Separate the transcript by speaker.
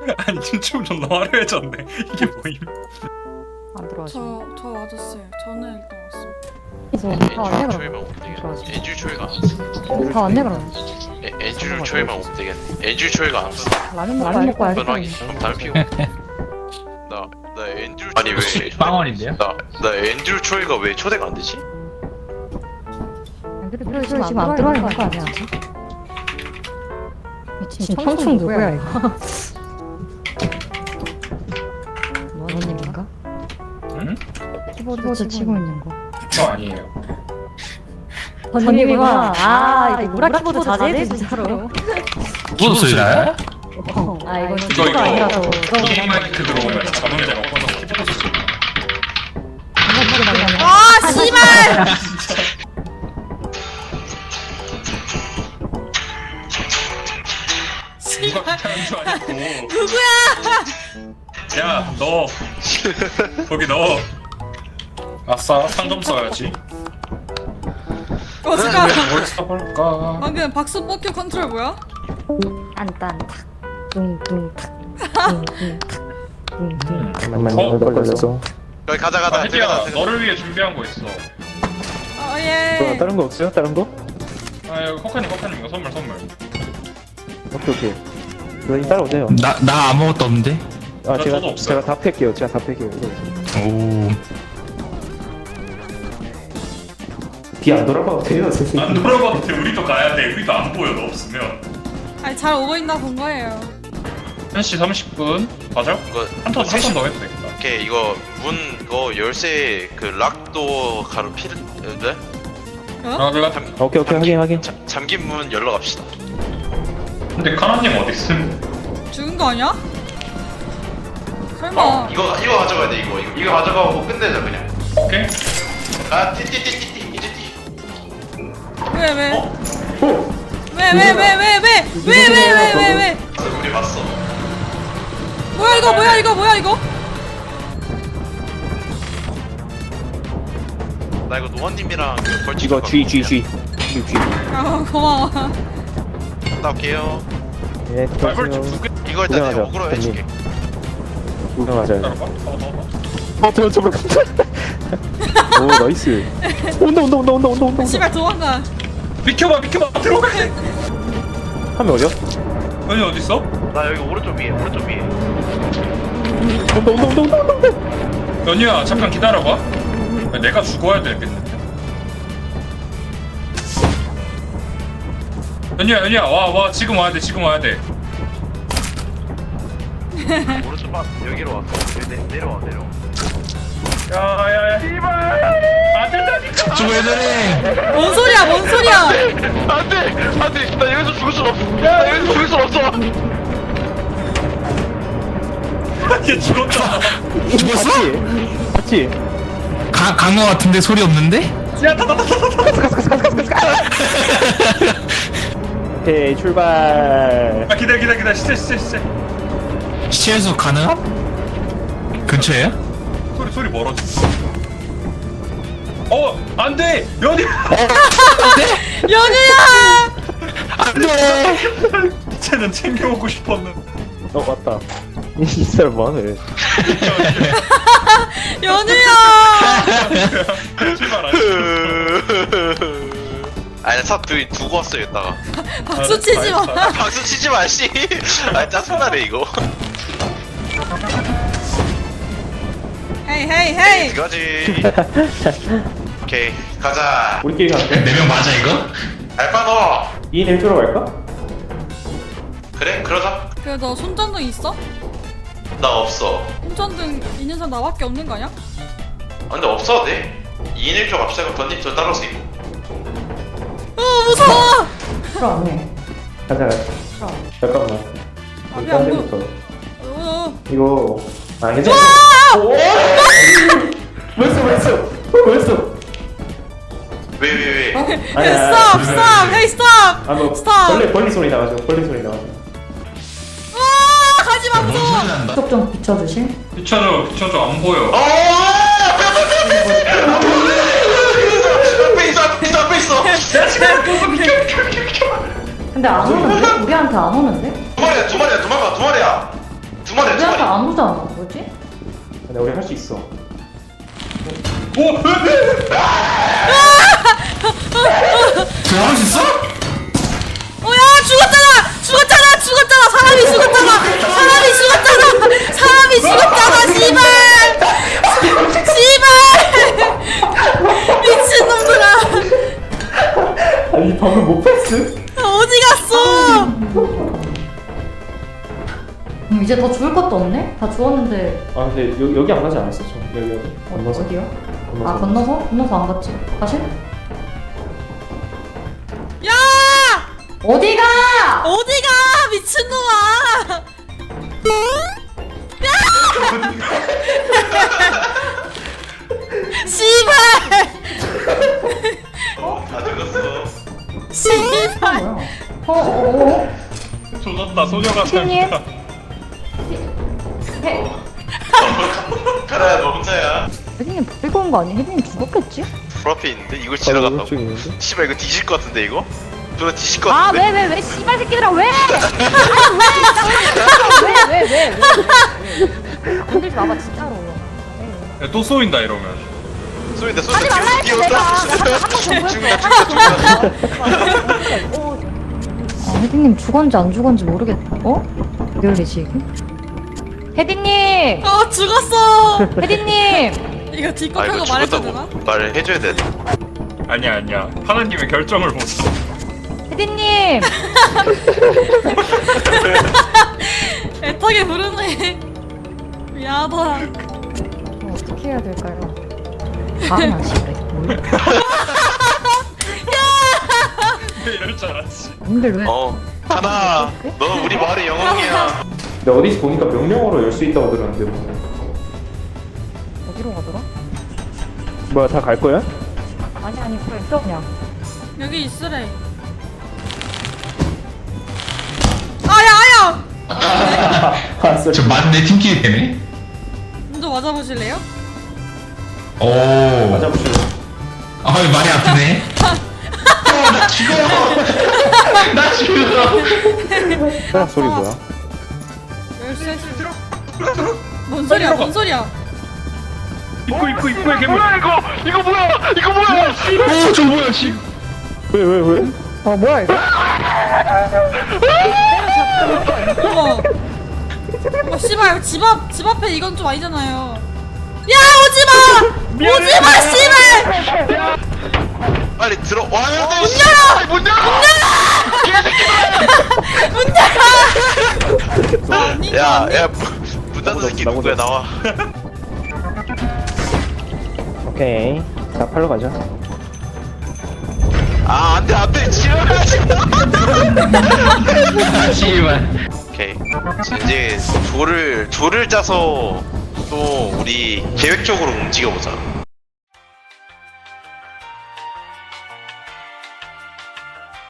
Speaker 1: 아니 춤좀 화려해졌네. 이게 뭐임?
Speaker 2: 안 들어가시네.
Speaker 3: 저 맞았어요. 저는 일단 왔습니다.
Speaker 2: 다 왔네
Speaker 4: 엔줄
Speaker 2: 그럼.
Speaker 4: 초회만 오면 되겠네.
Speaker 2: 들어가시네.
Speaker 4: 엔줄 초회가 안
Speaker 2: 다 왔네 그럼.
Speaker 4: 엔줄 초회만 오면 되겠네. 엔줄 초회가 안 왔어.
Speaker 2: 라면 먹고 와야지.
Speaker 4: 그건 확인. 그럼 담배 피우고. 나 엔줄 아니 왜
Speaker 5: 빵원인데요?
Speaker 4: 나 엔줄 초회가 왜 초대가 안 되지?
Speaker 2: 그래 지금 안 들어와 있는 거 아니야? 미친 청춘 누구야 이거? 너님인가?
Speaker 1: 응?
Speaker 2: 키보드 치고 있는 거.
Speaker 1: 저 아니에요.
Speaker 2: 번님이구나. 아 이거 뭐라 키보드 자제해 진짜로.
Speaker 5: 키보드 소리나요?
Speaker 2: 아 이건
Speaker 1: 이거
Speaker 2: 키보드 아니라서.
Speaker 1: 게임 마이크 들어오면 자동제가 꺼서 키보드 소리.
Speaker 3: 아 씨발!
Speaker 1: 누가 귀찮은 줄 알고.
Speaker 3: 누구야?
Speaker 1: 야, 너 거기 넣어. 아싸, 상점 써야지.
Speaker 3: 잠깐.
Speaker 1: 뭘 써볼까?
Speaker 3: 방금 박수 뻑큐 컨트롤 뭐야?
Speaker 2: 딴딴탁 뚱뚱탁 뚱뚱탁
Speaker 6: 잠깐만
Speaker 1: 어?
Speaker 6: 걸렸어.
Speaker 4: 여기 가자.
Speaker 1: 혜지야, 너를 위해 준비한 거 있어.
Speaker 3: 아 예.
Speaker 6: 다른 거 없어요? 다른 거?
Speaker 1: 아, 여기 커카님 이거 선물.
Speaker 6: 오케이. 그럼 따라오세요.
Speaker 5: 나 아무것도 없는데?
Speaker 6: 아
Speaker 1: 저도 없어요.
Speaker 6: 제가 다 팰게요. 제가 다 팰게요.
Speaker 5: 오.
Speaker 6: 뒤안 돌아봐도 돼요,
Speaker 1: 안
Speaker 6: 선생님.
Speaker 1: 돌아봐도 돼. 우리도 가야 돼. 우리도 안 보여. 너 없으면.
Speaker 3: 아니 잘 오고 있나 본 거예요.
Speaker 1: 1시 30분. 가자.
Speaker 4: 이거
Speaker 1: 한턴 더 해도 되겠다.
Speaker 4: 오케이 이거 문 이거 열쇠 그 락도 가로 피를 네?
Speaker 1: 아, 내가
Speaker 6: 오케이 확인.
Speaker 4: 잠긴 문 열러 갑시다.
Speaker 1: 근데 카나님 어디 있음?
Speaker 3: 죽은 거 아니야? 설마.
Speaker 4: 이거 가져가야 돼 이거 가져가고 끝내자 그냥.
Speaker 1: 오케이.
Speaker 4: 아 띠띠띠띠띠 이제 띠.
Speaker 3: 왜 왜?
Speaker 4: 어?
Speaker 3: 왜?
Speaker 4: 우리 봤어.
Speaker 3: 뭐야 이거?
Speaker 4: 나 이거 노원님이랑 그 벌칙
Speaker 6: 이거 G.
Speaker 3: 아 고마워.
Speaker 4: 갔다 올게요.
Speaker 6: 예,
Speaker 1: 말벌
Speaker 6: 그렇죠.
Speaker 1: 두 개.
Speaker 4: 이거 일단 내가
Speaker 6: 구경하자,
Speaker 4: 어그로 해줄게.
Speaker 6: 구경하자.
Speaker 1: 따라봐.
Speaker 6: 저거. 오, 나이스. 온다.
Speaker 3: 씨발 도망가.
Speaker 1: 비켜봐. 들어가.
Speaker 6: 하면 어디요?
Speaker 1: 너희 어디 있어?
Speaker 4: 나 여기 오른쪽 위에.
Speaker 6: 온다.
Speaker 1: 연희야, 잠깐 기다려봐. 내가 죽어야 되겠는데. 연희야, 와, 지금 와야 돼.
Speaker 4: 오른쪽 봐. 여기로 왔어. 내려와.
Speaker 1: 야, 씨발. 안 된다니까.
Speaker 5: 저왜 저래?
Speaker 3: 뭔 소리야?
Speaker 4: 안돼. 나 여기서 죽을 순 없어.
Speaker 1: 얘 죽었다.
Speaker 5: 죽었어?
Speaker 6: 같이.
Speaker 5: 간거 같은데 소리 없는데?
Speaker 1: 야,
Speaker 6: 오케이, 출발.
Speaker 1: 아, 기다려. 시체.
Speaker 5: 시체에서 가능? 근처에요?
Speaker 1: 소리 멀어졌어. 안 돼!
Speaker 3: 연우야!
Speaker 5: 안돼.
Speaker 1: 쟤는 챙겨오고 싶었는데.
Speaker 6: 맞다. 이 사람 뭐하네.
Speaker 3: 연우야!
Speaker 1: 출발 안
Speaker 4: 아니 차 두고 왔어 여기다가.
Speaker 3: 박수 치지 마.
Speaker 4: 박수 치지 마 씨. 아 짜증나네 이거.
Speaker 3: 헤이.
Speaker 4: 이거지. 오케이 가자.
Speaker 6: 우리끼리 갈게.
Speaker 5: 4명 맞아 이거?
Speaker 4: 알바노.
Speaker 6: 2인 1조로 갈까?
Speaker 4: 그래 그러자.
Speaker 3: 그 너 손전등 있어?
Speaker 4: 나 없어.
Speaker 3: 손전등 있는 사람 나밖에 없는 거 아니야?
Speaker 4: 아, 근데 없어도 돼. 2인 1조 갑시다. 그럼 던님 저 따라오세요.
Speaker 3: 무서워.
Speaker 6: 가자. 잠깐만.
Speaker 3: 아,
Speaker 6: 딴
Speaker 3: 왜 안
Speaker 6: 데부터.
Speaker 3: 보여?
Speaker 6: 이거 괜찮아. 오! 뭐였어?
Speaker 4: 왜?
Speaker 3: 스톱. 헤이 스톱.
Speaker 6: 뭐
Speaker 3: 스톱.
Speaker 6: 벌리 소리 나가죠.
Speaker 3: 아 가지 마 무서워.
Speaker 5: 소리 난다.
Speaker 2: 좀 비춰주실?
Speaker 1: 비춰줘. 안 보여.
Speaker 4: 앞에 있어.
Speaker 2: 근데 안 오는데? 우리한테 안 오는데?
Speaker 4: 두 마리야. 도망가.
Speaker 2: 아무도 안 와. 뭐지?
Speaker 6: 근데 우리 할 수 있어.
Speaker 5: 제가 할 수 있어?
Speaker 3: 야 죽었잖아 사람이 죽었잖아 씨발 미친놈들아
Speaker 6: 아니 방금 못 패스?
Speaker 3: 어디 갔어
Speaker 2: 이제 더 죽을 것도 없네? 다 죽었는데.
Speaker 6: 아 근데 여기 안 가지 않았어? 저 여기 건너서?
Speaker 2: 어디요?
Speaker 6: 건너서.
Speaker 2: 아, 건너서? 건너서 안 갔지. 다시?
Speaker 3: 야
Speaker 2: 어디가!
Speaker 3: 어디가 미친놈아 씨발
Speaker 4: 다 죽었어.
Speaker 3: 씨발
Speaker 2: 뭐야?
Speaker 1: 조졌다 소녀가
Speaker 2: 님
Speaker 1: 잘못다.
Speaker 4: 가라야 너 혼자야.
Speaker 2: 혜진님 끌고 온 거 아니야? 혜진님 죽었겠지?
Speaker 4: 프로필 있는데 이걸 지나간다고?
Speaker 6: 오른쪽에 있는데?
Speaker 4: 씨발 이거 뒤질 것 같은데 이거? 누나 뒤질 것
Speaker 2: 아,
Speaker 4: 같은데?
Speaker 2: 왜, 씨발 새끼들아, 왜! 왜! 건들지 마봐, 진짜로.
Speaker 1: 야, 또 쏘인다 이러면.
Speaker 4: 쏘인다
Speaker 2: 하지 말라 했어, 내가. 한번 아, 혜진님 죽었는지 안 죽었는지 모르겠다. 어? 리얼리지, 이게? 혜진님!
Speaker 3: 죽었어
Speaker 2: 혜진님!
Speaker 3: 이거
Speaker 4: 아
Speaker 3: 뒷곡하고
Speaker 4: 이거
Speaker 3: 말해도 되나?
Speaker 4: 죽었다고 말을 해줘야 돼.
Speaker 1: 아니야. 하나님의 결정을 못 써.
Speaker 2: 혜진님!
Speaker 3: 애타게 부르네 미안하다
Speaker 2: 어떻게 해야 될까요? 다음은 아시네.
Speaker 1: 이럴 줄 알았지.
Speaker 2: 근데 왜?
Speaker 4: 하나 너 우리 마을의 영웅이야.
Speaker 6: 근데 어디서 보니까 명령어로 열 수 있다고 들었는데 뭐.
Speaker 2: 어디로 가더라?
Speaker 6: 뭐야 다 갈 거야?
Speaker 2: 아니, 그래, 있어, 그냥.
Speaker 3: 여기 있으래 아야
Speaker 6: 아 쏘리.
Speaker 5: 저 맞네 팀킬이 되네.
Speaker 3: 먼저 맞아보실래요?
Speaker 5: 오.
Speaker 6: 맞아보시죠.
Speaker 5: 아 많이 아프네. 나 죽어. 나 죽어.
Speaker 6: 소리 뭐야?
Speaker 3: 열쇠 뭔 소리야
Speaker 1: 입구에 괴물.
Speaker 5: 이거 뭐야? 오, 저 뭐야, 씨.
Speaker 6: 왜?
Speaker 2: 뭐야, 이거?
Speaker 3: 어머 씨발 집 앞에 이건 좀 아니잖아요 야 오지마 씨발
Speaker 4: 빨리 들어와야 돼.
Speaker 3: 문 열어
Speaker 4: 야야 문 닫은 새끼 누구야 나와.
Speaker 6: 오케이. 자 팔로 가자.
Speaker 4: 아 안돼 지랄하지.
Speaker 5: 씨발.
Speaker 4: 오케이 이제 조를 짜서 또 우리 계획적으로 움직여보자.